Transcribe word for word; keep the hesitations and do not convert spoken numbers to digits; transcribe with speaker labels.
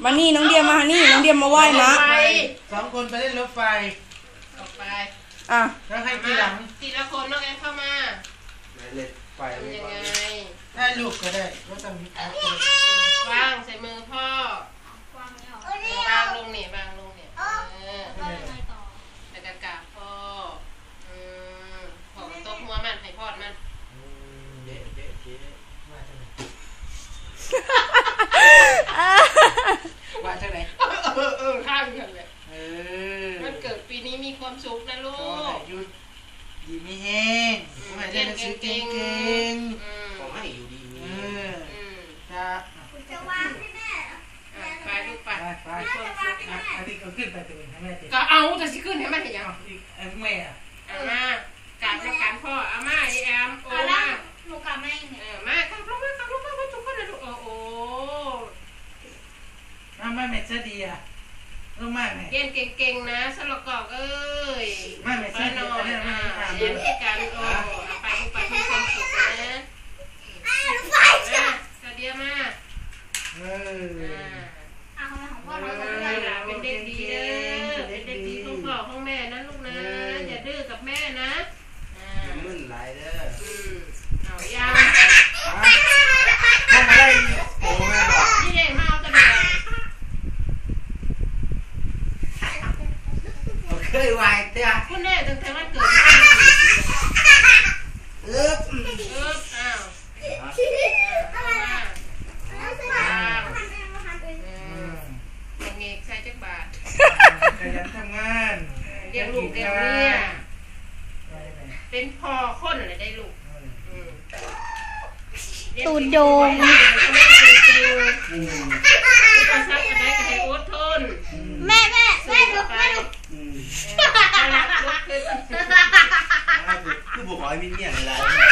Speaker 1: มานี่น้องเดียมานี่น้องเดียมาไหว้นะ
Speaker 2: สองคนไปเล่นรถไฟ
Speaker 3: ออกไป
Speaker 1: อ่ะ
Speaker 2: แล้วให้ทีหลัง
Speaker 3: ทีละคนน้องแอนเข้ามา
Speaker 2: เล่นไฟ
Speaker 3: ทำยังไง
Speaker 2: ได้ลูกก็ได้ก็ต้องมีอาวุธ
Speaker 3: วางใส่มือพ่อวางลงเนี่ยวางลงเนี่ยเออแล้วก็กราบพ่ออืมขอตบหัวมันให้พอดมัน
Speaker 2: เด็ดเด็ดเจ๊ว่าจังไหนว่าจังไหน
Speaker 3: เออเออข้ามกันเลย
Speaker 2: เออ
Speaker 3: มันเกิดปีนี้มีความสุขนะลูก
Speaker 2: อยู่ดีไม่แห้งผมให้เรียนหนังสือเก่งๆผมให้อยู่ดีเออจะ
Speaker 4: จะวางให้แม่
Speaker 3: ไปลูกไป
Speaker 2: ไปอันนี้ก็ขึ้นไปตัวเองให้แม่ติด
Speaker 3: ก็เอาแต่สิขึ้นให้มันเห็นยัง
Speaker 2: อีกไอ้แม่อะ
Speaker 3: เอามากราบการพ่อเอามาไอแอมโอ้มา
Speaker 4: หนูกลับแม่เนี่ย
Speaker 3: เออมากราบลงมากราบลงมาทุกคนเลยลูกโอ้โห
Speaker 2: น้ำแม่เม็ดเสดีอะลงมาแม่
Speaker 3: เรียนเก่งๆนะสลกอกเอ้ย
Speaker 2: แม่เม็ดเสดีอันนี้ไม่ทำ
Speaker 3: เรียนกันโอ้ไปลูกไปมีความสุขนะ
Speaker 4: อ้าวไฟจ้ะ
Speaker 3: กระเดียมา
Speaker 2: เออ
Speaker 4: เอาของพ่อเรา
Speaker 3: เป็นเด็กดีเด้อเป็นเด็กดีของพ่อของแม่นะลูกนะอย่าดื้อกับแม่นะ
Speaker 2: มึนไหลเด้อ
Speaker 3: เอายัง
Speaker 2: ทำอะไรโอ้แม่บอก
Speaker 3: นี่เด็กมาเอาตะเบีย
Speaker 2: งเคยวายเต้า
Speaker 3: คุณแม่ตั้งแต่วันเกิด
Speaker 2: เอ๊บ
Speaker 3: เอ๊บอ้าวเงกใส่จักบาท
Speaker 2: ขยันทำงาน
Speaker 3: เลี้ยงลูกเลี้ยงเมียเป็นพ่อคนเลยได้ลูก
Speaker 1: ตูดโดง
Speaker 3: ภาษาอะไรก็ให้อดทน
Speaker 4: แม่แม่แม่ลุกแม่ลุก
Speaker 2: คือบอกว่ามีเนี่ยอะไร